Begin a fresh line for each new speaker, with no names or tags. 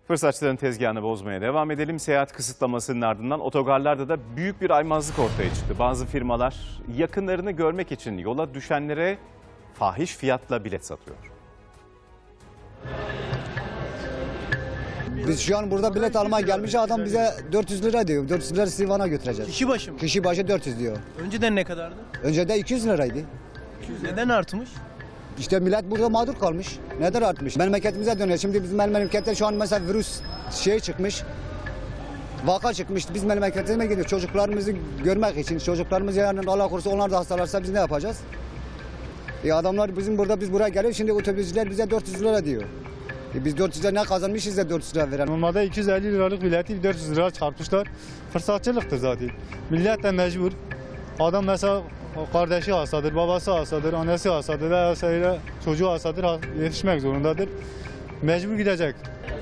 Fırsatçıların tezgahını bozmaya devam edelim. Seyahat kısıtlamasının ardından otogarlarda da büyük bir aymazlık ortaya çıktı. Bazı firmalar yakınlarını görmek için yola düşenlere fahiş fiyatla bilet satıyor.
Biz şu an burada bilet almaya gelmiş, adam bize 400 lira diyor. 400 lira Sivan'a götüreceğiz.
Kişi başı mı?
Kişi başı 400 diyor.
Önceden ne kadardı?
Önce de 200 liraydı.
Neden artmış?
İşte millet burada mağdur kalmış. Neden artmış? Memleketimize dönüyor. Şimdi bizim memlekette şu an mesela virüs çıkmış. Vaka çıkmış. Biz memleketimize gidiyoruz. Çocuklarımızı görmek için. Çocuklarımız yarın Allah korusun onlar da hastalarsa biz ne yapacağız? Adamlar biz buraya geliyor. Şimdi otobüsçüler bize 400 lira diyor. Biz 400 lira ne kazanmışız da 400 lira veren.
Normalde 250 liralık bileti 400 lira çarpmışlar. Fırsatçılıktır zaten. Millet de mecbur. Adam mesela kardeşi hastadır, babası hastadır, annesi hastadır veya çocuğu hastadır, yetişmek zorundadır. Mecbur gidecek.